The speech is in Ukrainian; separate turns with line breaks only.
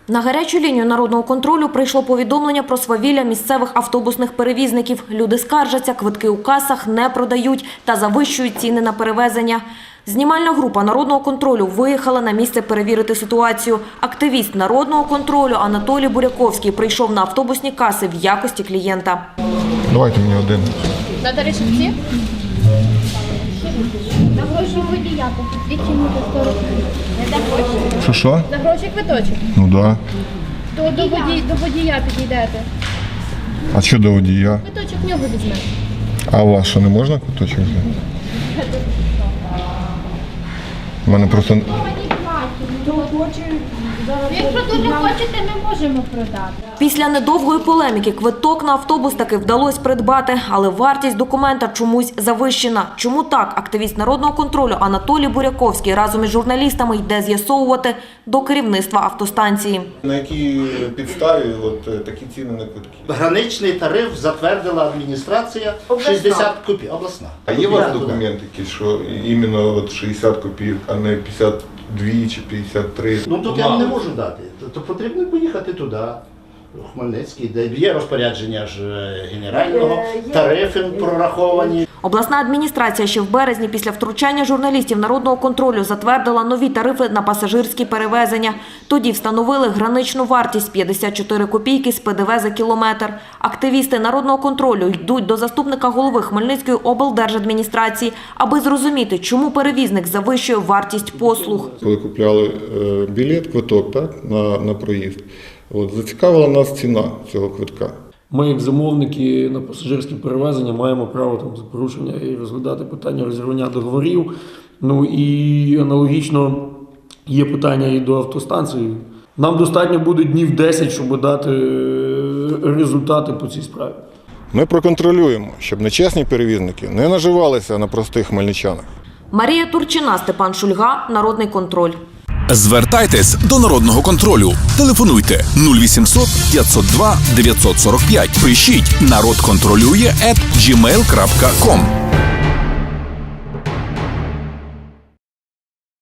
На гарячу лінію народного контролю прийшло повідомлення про свавілля місцевих автобусних перевізників. Люди скаржаться, квитки у касах не продають та завищують ціни на перевезення. Знімальна група народного контролю виїхала на місце перевірити ситуацію. Активіст народного контролю Анатолій Буряковський прийшов на автобусні каси в якості клієнта.
Давайте мені один.
Надо решетки? На гроші водія, тут відчинити 40 гривень.
Що?
За гроші квиточок.
Ну да.
До водія підійдете.
А що до водія?
Квиточок в нього візьмете.
А у вас що, не можна куточок взяти? У мене просто...
Якщо дуже хочете, ми можемо продати.
Після недовгої полеміки квиток на автобус таки вдалося придбати, але вартість документа чомусь завищена. Чому так? Активіст народного контролю Анатолій Буряковський разом із журналістами йде з'ясовувати до керівництва автостанції.
На якій підставі такі ціни на квитки?
Граничний тариф затвердила адміністрація 60 копійок. Обласна.
А є у вас документи якісь, що іменно 60 копійок, а не 52 чи 53?
Ну тут я вам не можу дати. То потрібно поїхати туди, у Хмельницький, де є розпорядження ж генерального, тарифи прораховані.
Обласна адміністрація ще в березні після втручання журналістів народного контролю затвердила нові тарифи на пасажирські перевезення. Тоді встановили граничну вартість 54 копійки з ПДВ за кілометр. Активісти народного контролю йдуть до заступника голови Хмельницької облдержадміністрації, аби зрозуміти, чому перевізник завищує вартість послуг.
Коли купляли білет, квиток на проїзд, зацікавила нас ціна цього квитка.
Ми, як замовники на пасажирські перевезення, маємо право за порушення і розглядати питання розірвання договорів. Ну і аналогічно є питання і до автостанції. Нам достатньо буде днів 10, щоб дати результати по цій справі.
Ми проконтролюємо, щоб нечесні перевізники не наживалися на простих хмельничанах.
Марія Турчина, Степан Шульга, Народний контроль.
Звертайтесь до Народного контролю. Телефонуйте 0800 502 945. Пишіть «Народ контролює» @gmail.com.